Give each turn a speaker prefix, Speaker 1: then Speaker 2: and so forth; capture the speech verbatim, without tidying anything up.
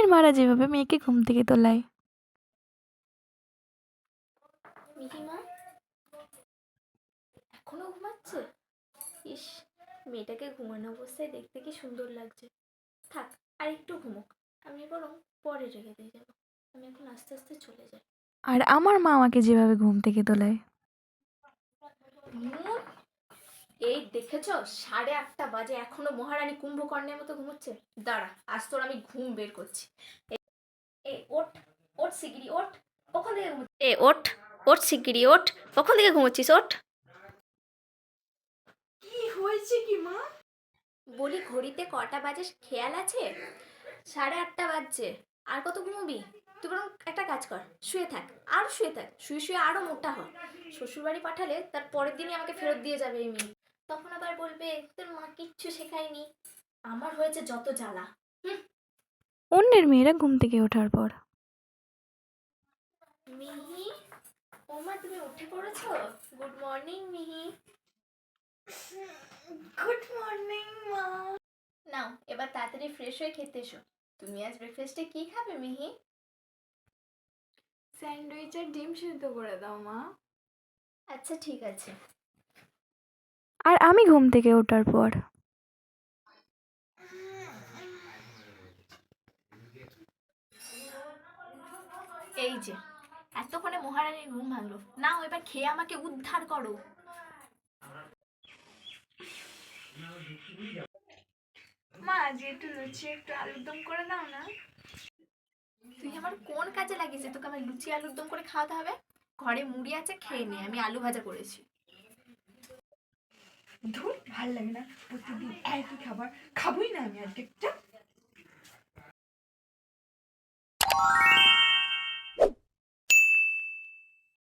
Speaker 1: মারা যেভাবে মেয়েকে ঘুম থেকে তোলায়।
Speaker 2: মিহিমা এখনো ঘুমাচ্ছে? ইস, মেয়েটাকে ঘুমানো অবস্থায় দেখতে কি সুন্দর লাগছে। থাক, আর একটু ঘুমোক, আমি বরং পরে রেখে দিয়ে যাবো। আমি এখন আস্তে আস্তে চলে যাই।
Speaker 1: আর আমার মা আমাকে যেভাবে ঘুম থেকে তোলায়।
Speaker 2: এই দেখেছ, সাড়ে আটটা বাজে, এখনো মহারানী কুম্ভকর্ণের মতো ঘুমোচ্ছে। দাঁড়া, আজ তোর আমি ঘুম বের করছি। এ ওঠ, ওঠ শিগগিরি ওঠ। কখন থেকে ঘুমোচ্ছিস? এ ওঠ, ওঠ শিগগিরি ওঠ। কখন থেকে ঘুমোচ্ছিস? ওঠ।
Speaker 3: কি হয়েছে কি মা?
Speaker 2: বলি, ঘড়িতে কটা বাজে খেয়াল আছে? সাড়ে আটটা বাজছে। আর কত ঘুমোবি? তুই বরং একটা কাজ কর, শুয়ে থাক, আর শুয়ে থাক, শুয়ে শুয়ে আরো মোটা হ। শ্বশুরবাড়ি পাঠালে তার পরের দিনই আমাকে ফেরত দিয়ে যাবে এই মেয়ে। তখন আবার বলবে তোর মা কিচ্ছু শেখায়নি। আমার হয়েছে যত জ্বালা।
Speaker 1: অন্যের মেয়েরা ঘুম থেকে ওঠার পর।
Speaker 2: মিহি, ও মা, তুমি উঠে পড়েছো? Good morning Mihi.
Speaker 3: Good morning মা।
Speaker 2: নাও, এবার তাড়াতাড়ি ফ্রেশ হয়ে খেতে এসো। তুমি আজ ব্রেকফাস্টে কি খাবে মিহি?
Speaker 3: স্যান্ডউইচ আর ডিম সিদ্ধ করে দাও মা।
Speaker 2: আচ্ছা ঠিক আছে।
Speaker 1: আর আমি ঘুম থেকে ওঠার পর।
Speaker 2: এই যে, এতক্ষণে মহারানীর ঘুম ভাঙলো। নাও, এবার খেয়ে আমাকে উদ্ধার করো।
Speaker 3: মা, আজ একটু লুচি একটু আলুর দম করে দাও না।
Speaker 2: তুই আমার কোন কাজে লাগিয়েছিস তোকে আমার লুচি আলুর দম করে খাওয়াতে হবে? ঘরে মুড়ি আছে, খেয়ে নে, আমি আলু ভাজা করেছি।
Speaker 3: ধুর, ভাল লাগে না প্রতিদিন একই খাবার। খাবোই না আমি আজকে।